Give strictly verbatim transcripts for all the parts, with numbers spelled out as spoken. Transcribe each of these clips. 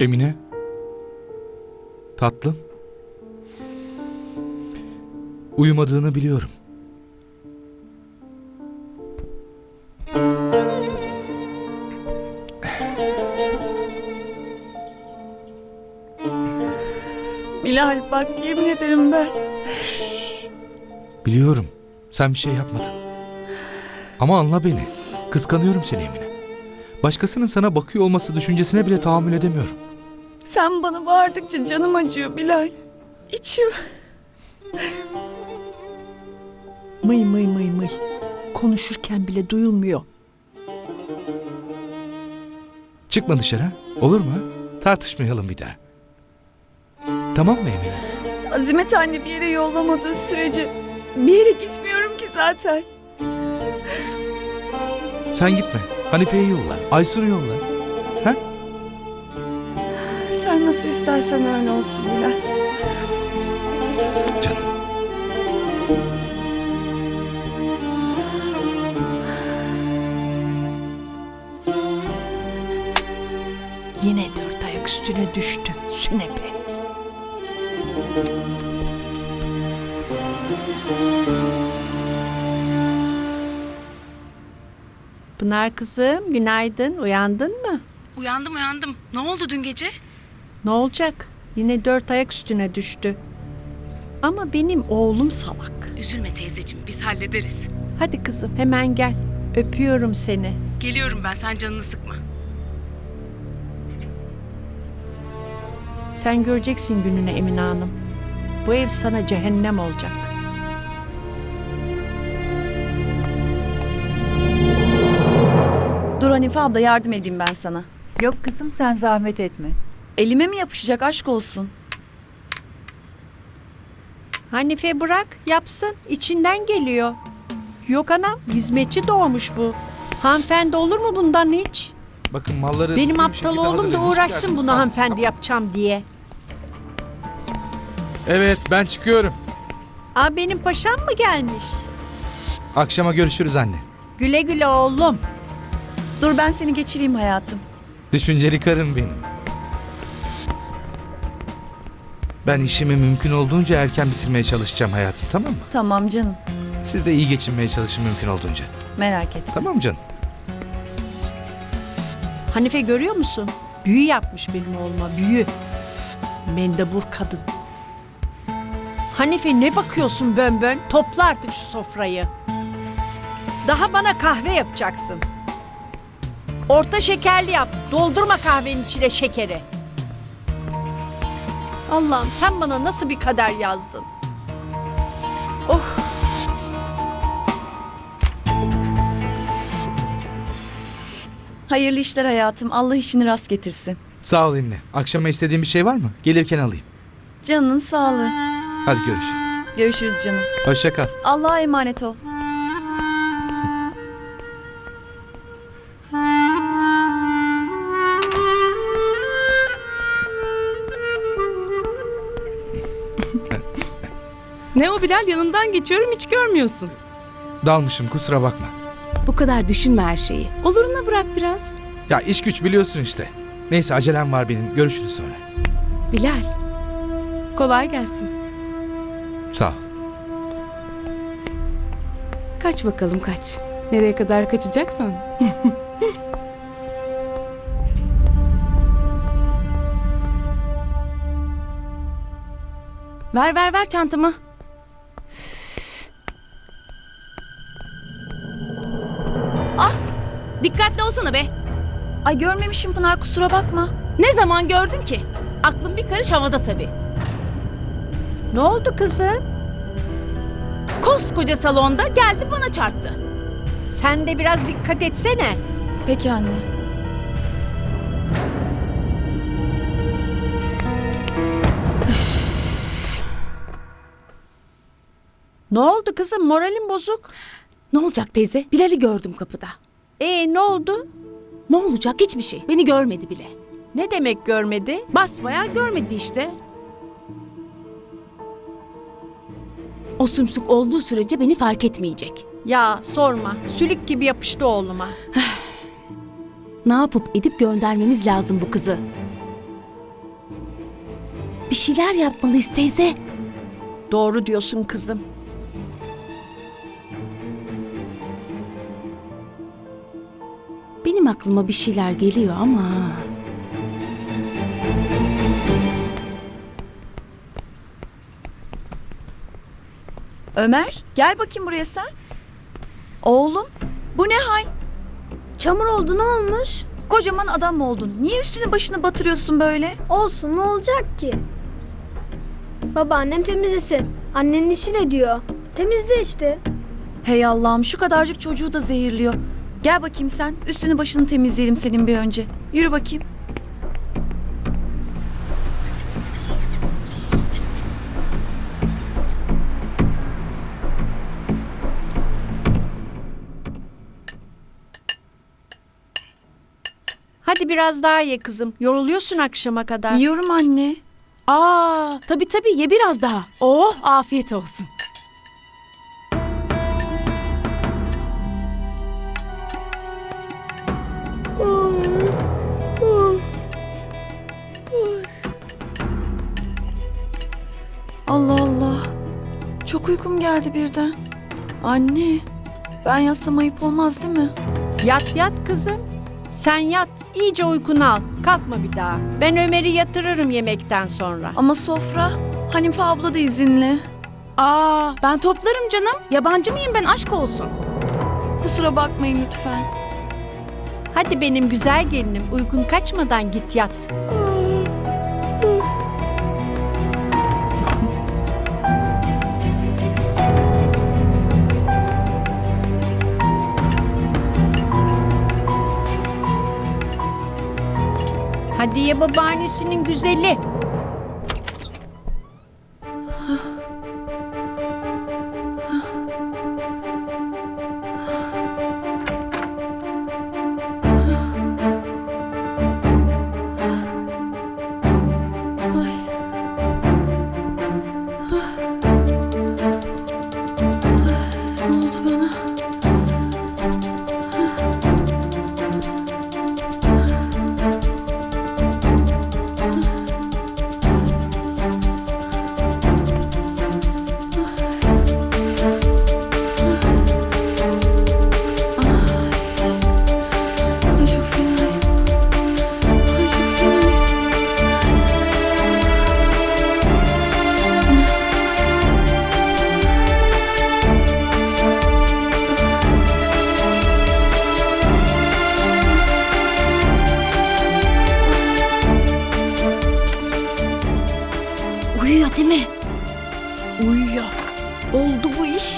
Emine. Tatlım. Uyumadığını biliyorum. Bilal bak yemin ederim ben. Biliyorum. Sen bir şey yapmadın. Ama anla beni. Kıskanıyorum seni Emine. Başkasının sana bakıyor olması düşüncesine bile tahammül edemiyorum. Sen bana bağırdıkça canım acıyor Bilal. İçim. Mıy mıy mıy mıy. Konuşurken bile duyulmuyor. Çıkma dışarı. Olur mu? Tartışmayalım bir daha. Tamam mı Emine? Azimet anne bir yere yollamadığı sürece bir yere gitmiyorum ki zaten. Sen gitme. Hanife'yi yolla. Aysun'u yolla. Ha? Sen nasıl istersen öyle olsun Bilal. Canım. Yine dört ayak üstüne düştü sünepe. Pınar kızım, günaydın. Uyandın mı? Uyandım uyandım. Ne oldu dün gece? Ne olacak? Yine dört ayak üstüne düştü. Ama benim oğlum salak. Üzülme teyzeciğim, biz hallederiz. Hadi kızım hemen gel. Öpüyorum seni. Geliyorum ben, sen canını sıkma. Sen göreceksin gününü Emine Hanım. Bu ev sana cehennem olacak. Dur Hanife abla yardım edeyim ben sana. Yok kızım sen zahmet etme. Elime mi yapışacak aşk olsun? Hanife bırak yapsın. İçinden geliyor. Yok anam hizmetçi doğmuş bu. Hanımefendi olur mu bundan hiç? Bakın malları... Benim düzgün bir aptal şekilde oğlum da hazırlayın. Hiç uğraşsın derdiniz bunu kalmasın, hanımefendi tamam mı? yapacağım diye. Evet, ben çıkıyorum. Aa benim paşam mı gelmiş? Akşama görüşürüz anne. Güle güle oğlum. Dur ben seni geçireyim hayatım. Düşünceli karın benim. Ben işimi mümkün olduğunca erken bitirmeye çalışacağım hayatım, tamam mı? Tamam canım. Siz de iyi geçinmeye çalışın mümkün olduğunca. Merak etme. Tamam canım? Hanife görüyor musun? Büyü yapmış benim oğluma büyü. Mendebur kadın. Hanife ne bakıyorsun bön bön? Topla artık şu sofrayı. Daha bana kahve yapacaksın. Orta şekerli yap. Doldurma kahvenin içine şekeri. Allah'ım sen bana nasıl bir kader yazdın? Oh. Hayırlı işler hayatım. Allah işini rast getirsin. Sağ ol Emine. Akşama istediğin bir şey var mı? Gelirken alayım. Canının sağlığı. Hadi görüşürüz. Görüşürüz canım. Hoşça kal. Allah'a emanet ol. Ne o Bilal, yanından geçiyorum hiç görmüyorsun. Dalmışım, kusura bakma. Bu kadar düşünme her şeyi. Oluruna bırak biraz. Ya iş güç biliyorsun işte. Neyse acelem var benim. Görüşürüz sonra. Bilal, kolay gelsin. Sağ ol. Kaç bakalım kaç. Nereye kadar kaçacaksan. Ver ver ver çantamı. Ah! Dikkatli olsana be. Ay görmemişim Pınar kusura bakma. Ne zaman gördün ki? Aklım bir karış havada tabii. Ne oldu kızım? Koskoca salonda geldi bana çarptı. Sen de biraz dikkat etsene. Peki anne. Ne oldu kızım? Moralin bozuk. Ne olacak teyze? Bilal'i gördüm kapıda. Ee ne oldu? Ne olacak? Hiçbir şey. Beni görmedi bile. Ne demek görmedi? Basbayağı görmedi işte. O sümsük olduğu sürece beni fark etmeyecek. Ya sorma. Sülük gibi yapıştı oğluma. Ne yapıp edip göndermemiz lazım bu kızı. Bir şeyler yapmalıyız teyze. Doğru diyorsun kızım. Benim aklıma bir şeyler geliyor ama... Ömer, gel bakayım buraya sen. Oğlum, bu ne hal? Çamur oldu, ne olmuş? Kocaman adam oldun. Niye üstünü başını batırıyorsun böyle? Olsun, ne olacak ki? Babaannem temizlesin. Annenin işi ne diyor? Temizle işte. Hey Allah'ım, şu kadarcık çocuğu da zehirliyor. Gel bakayım sen. Üstünü başını temizleyelim senin bir önce. Yürü bakayım. Hadi biraz daha ye kızım. Yoruluyorsun akşama kadar. Yiyorum anne. Aa, tabii tabii ye biraz daha. Oh, afiyet olsun. Allah Allah. Çok uykum geldi birden. Anne, ben yatsam ayıp olmaz değil mi? Yat yat kızım. Sen yat. İyice uykunu al. Kalkma bir daha. Ben Ömer'i yatırırım yemekten sonra. Ama sofra, Hanife abla da izinli. Aa, ben toplarım canım. Yabancı mıyım ben, aşk olsun. Kusura bakmayın lütfen. Hadi benim güzel gelinim. Uykun kaçmadan git yat. Hadi ye babaannesinin güzeli. Ne oldu bana? Ay çok fenayım. Ay çok fenayım. Uyuyor değil mi? Uyuyor. Oldu bu iş.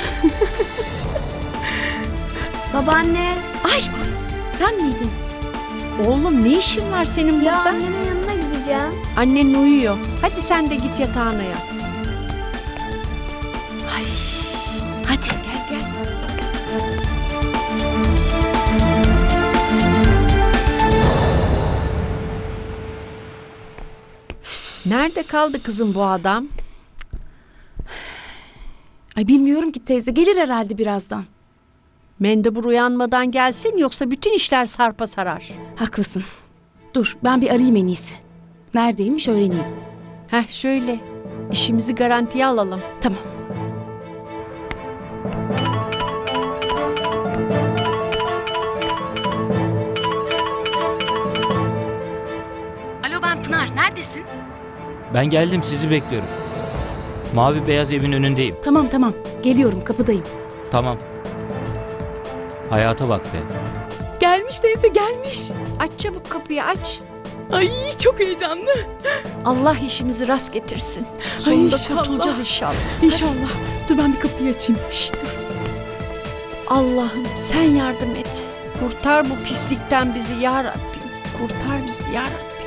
Babaanne, Ay, sen miydin? Oğlum ne işin var senin ya burada? annemin yanına gideceğim. Annen uyuyor. Hadi sen de git yatağına yat. Ay, hadi gel gel. Nerede kaldı kızım bu adam? Ay bilmiyorum ki teyze, gelir herhalde birazdan. Mendebur uyanmadan gelsin yoksa bütün işler sarpa sarar. Haklısın. Dur, ben bir arayayım en iyisi. Neredeymiş öğreneyim. Heh şöyle. İşimizi garantiye alalım. Tamam. Alo, ben Pınar. Neredesin? Ben geldim, sizi bekliyorum. Mavi beyaz evin önündeyim. Tamam tamam. Geliyorum, kapıdayım. Tamam. Hayata bak be. Gelmiş teyze, gelmiş. Aç çabuk kapıyı aç. Ay çok heyecanlı. Allah işimizi rast getirsin. Sonunda inşallah. kurtulacağız inşallah. İnşallah. Dur ben bir kapıyı açayım. Şşt, dur. Allah'ım sen yardım et. Kurtar bu pislikten bizi ya Rabbim. Kurtar bizi ya Rabbim.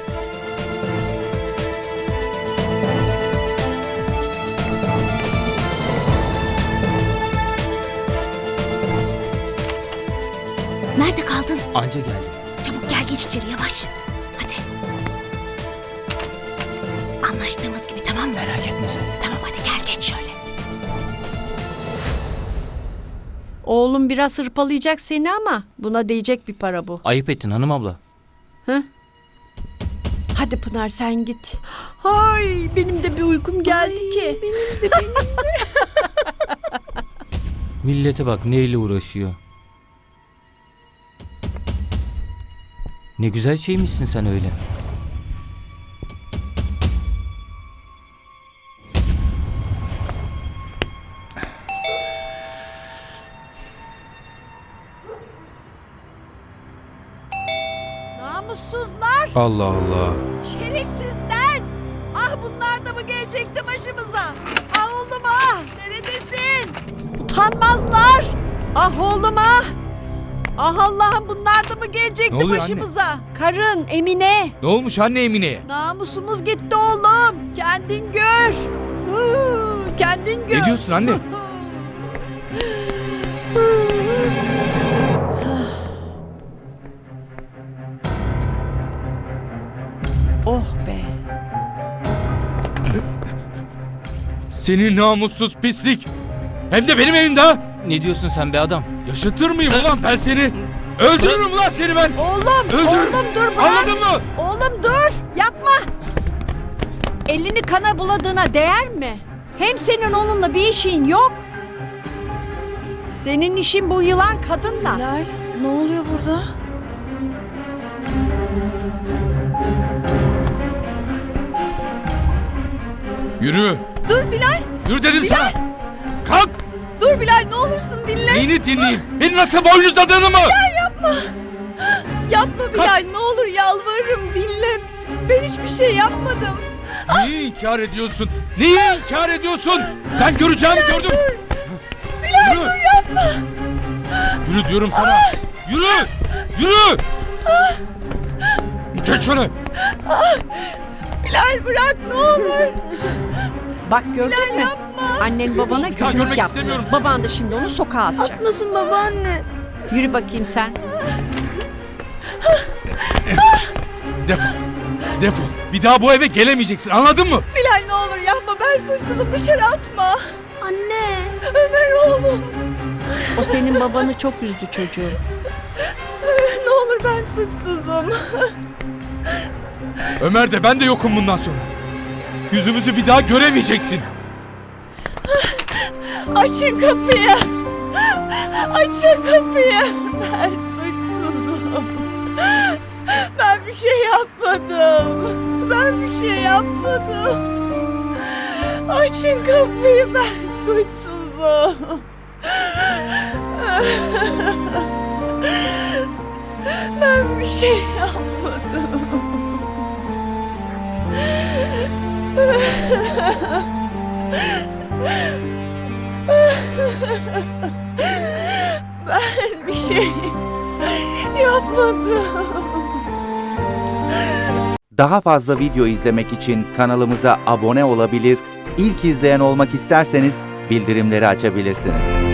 Nerede kaldın? Anca geldim. Çabuk gel, geç içeri yavaş. Hadi. Anlaştığımız gibi, tamam mı? Merak etme sen. Tamam hadi gel, geç şöyle. Oğlum biraz hırpalayacak seni ama buna değecek bir para bu. Ayıp ettin hanım abla. Hadi Pınar sen git. Ay benim de bir uykum geldi ki. Benim de benim. Millete bak neyle uğraşıyor. Ne güzel şeymişsin sen öyle. Namussuzlar, Allah Allah. şerefsizler. Ah bunlar da mı gelecekti başımıza? Ah oğlum ah, neredesin? Utanmazlar. Ah oğlum ah. Ah Allah'ım bunlar da mı Ne gelecekti oluyor anne? başımıza? Karın Emine. Ne olmuş anne Emine'ye? Namusumuz gitti oğlum. Kendin gör. Huu, Kendin gör. Ne diyorsun anne? Oh be. Senin namussuz pislik. Hem de benim evimde ha. Ne diyorsun sen be adam? Yaşatır mıyım ulan ben seni? Öldürürüm ulan seni ben. Oğlum, Öldürürüm. oğlum dur bırak. Anladın mı? Oğlum dur, yapma. Elini kana buladığına değer mi? Hem senin onunla bir işin yok. Senin işin bu yılan kadınla. Bilal, ne oluyor burada? Yürü. Dur Bilal, Yürü dedim sana. Kalk. dur Bilal ne olursun dinle. Neyini dinleyeyim? Beni nasıl boynuzladığını mı? Yapma Bilal, ne olur yalvarırım dinle. Ben hiçbir şey yapmadım. Neyi inkar ediyorsun? Neyi inkar ediyorsun? Ben göreceğimi gördüm. Bilal Yürü. Dur yapma. Yürü diyorum sana. Yürü. Yürü. Geç şöyle. Bilal bırak ne olur. Bak gördün mü? Annen babana Bir daha kötülük görmek yaptı. istemiyorum seni. Baban da şimdi onu sokağa atacak. Haklısın babaanne. Yürü bakayım sen. Defol. Defol. Bir daha bu eve gelemeyeceksin. Anladın mı? Bilal ne olur yapma, ben suçsuzum, dışarı atma. Anne. Ömer oğlum, O senin babanı çok üzdü çocuğum. ne olur ben suçsuzum. Ömer de ben de yokum bundan sonra. Yüzümüzü bir daha göremeyeceksin. Açın kapıyı. Açın kapıyı. Ben suçsuzum. Ben bir şey yapmadım. Ben bir şey yapmadım. Açın kapıyı, ben suçsuzum. Ben bir şey yapmadım. Ben bir şey yapmadım. Daha fazla video izlemek için kanalımıza abone olabilir, ilk izleyen olmak isterseniz bildirimleri açabilirsiniz.